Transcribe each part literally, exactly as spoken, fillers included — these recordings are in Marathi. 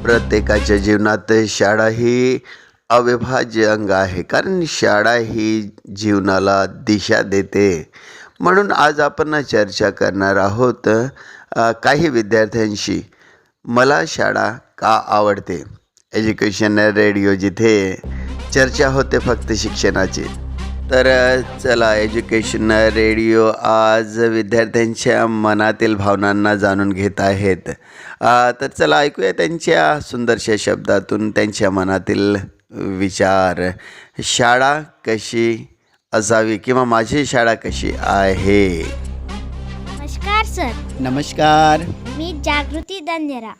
प्रत्येकाच्या जीवनात शाळा ही अविभाज्य अंग आहे, कारण शाळा ही जीवनाला दिशा देते. म्हणून आज आपण चर्चा करणार आहोत अ, काही विद्यार्थ्यांशी. मला शाळा का आवडते? एज्युकेशन रेडिओ, जिथे चर्चा होते फक्त शिक्षणाची. तर अ, चला, एज्युकेशन रेडिओ आज विद्यार्थ्यांच्या मनातील भावनांना जाणून घेत आहेत. अ, तर चला ऐकूया त्यांच्या सुंदरशा शब्दातून त्यांच्या मनातील विचार. शाळा कशी असावी किंवा माझी शाळा कशी आहे? नमस्कार सर, नमस्कार. मी जागृती दंदेरा.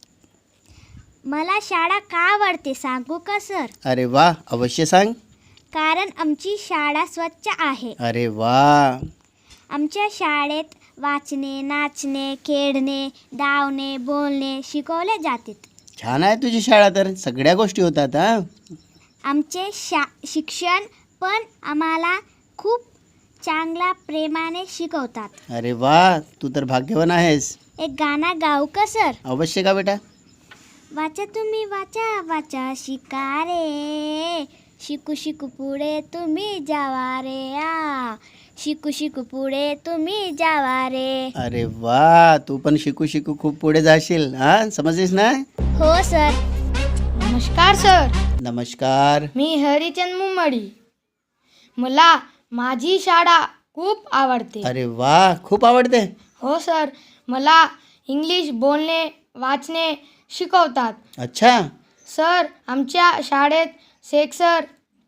मला शाळा का आवडते सांगू का सर? अरे वा, अवश्य सांग. कारण आमची शाळा स्वच्छ आहे. अरे वा. आमच्या शाळेत वाचणे, नाचणे, खेळणे, धावणे, बोलणे शिकवले जाते. छान आहे तुझी शाळा, तर सगळ्या गोष्टी होतात. हा आमचे शा शिक्षण पण आम्हाला खूप चांगल्या प्रेमाने शिकवतात. अरे वा, तू तर भाग्यवान आहेस. एक गाणं गाऊ का सर? अवश्य का बेटा. वाचा तुम्ही वाचा वाचा शिका रे, शिकू शिकू पुढे तुम्ही जावा रे. आ शिकू शिकू पुढे तुम्ही जावा रे. अरे वा, तू पण शिकू शिकू खूप पुढे जाशील. हा समजलीस ना? हो सर. नमस्कार सर, नमस्कार. मी हरिचंद मुंबडी. मला माझी शाळा खूप आवडते. अरे वा, खूप आवडते. हो सर, मला इंग्लिश बोलणे वाचणे शिकवतात. अच्छा. सर, आमच्या शाळेत सेक्सर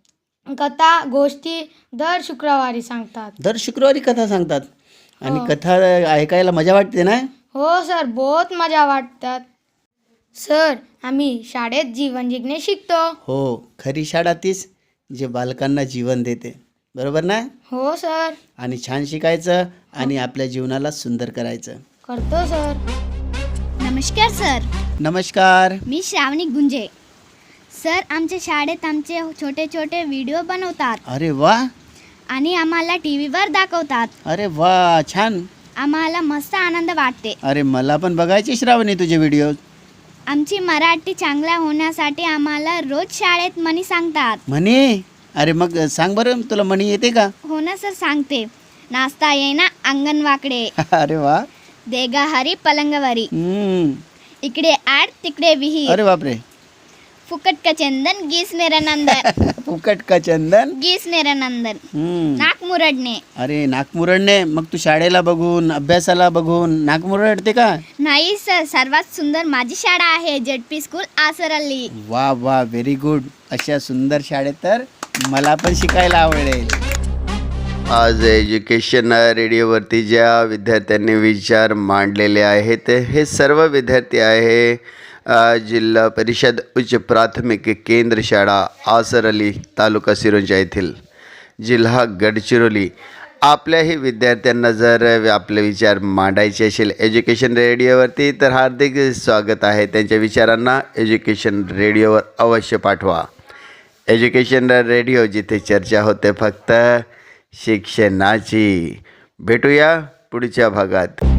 कथा गोष्टी दर शुक्रवारी सांगतात. दर शुक्रवारी कथा सांगतात आणि हो. कथा ऐकायला मजा वाटते ना? हो सर, बहुत मजा वाटतात. सर, आम्ही शाळेत जीवन जगणे शिकतो. हो, खरी शाळा तीच जे बालकांना जीवन देते, बरोबर ना? हो सर. आणि छान शिकायचं आणि आपल्या जीवनाला सुंदर करायचं. करतो सर. नमस्कार सर, नमस्कार. मी श्रावणी गुंजे. सर, आमच्या शाळेत आमचे छोटे छोटे व्हिडिओ बनवतात अरे वा. आणि आम्हाला टी व्हीवर दाखवतात. अरे वा, छान. आम्हाला मस्त आनंद वाटते. अरे मला पण बघायची श्रावणी तुझे व्हिडिओ. आमची मराठी चांगला होण्यासाठी आम्हाला रोज शाळेत म्हणी सांगतात. म्हणे? अरे मग सांग बरं, तुला म्हणी येते का? हो ना सर, सांगते. नाचता येईना अंगण वाकडे, अरे वा. देगा हरी पलंगवरी, हम्म. इकडे आड तिकडे विहीर, अरे बापरे. फुकट का चंदन गीस नंदन, फुकट का चंदन गीस नंदन, हम्म. नाक मुरडणे. अरे नाकमुरडणे? मग तू शाळेला बघून अभ्यासाला बघून नाकमुरडते का? नाही सर, सर्वात सुंदर माझी शाळा आहे, जेडपी स्कूल आसरल्ली. वा वा, व्हेरी गुड. अशा सुंदर शाळेत तर मला पण शिकायला आवडेल. आज एज्युकेशन रेडिओवरती ज्या विद्यार्थ्यांनी विचार मांडलेले आहेत, हे सर्व विद्यार्थी आहे अ, जिल्हा परिषद उच्च प्राथमिक केंद्र शाळा आसरली, तालुका सिरोंचा येथील, जिल्हा गडचिरोली. आपल्याही विद्यार्थ्यांना जर आपले विचार मांडायचे असेल एज्युकेशन रेडिओवरती, तर हार्दिक स्वागत आहे. त्यांच्या विचारांना एज्युकेशन रेडिओवर अवश्य पाठवा. एज्युकेशन रेडिओ, जिथे चर्चा होते फक्त शिक्षणाची. भेटूया पुढच्या भागात.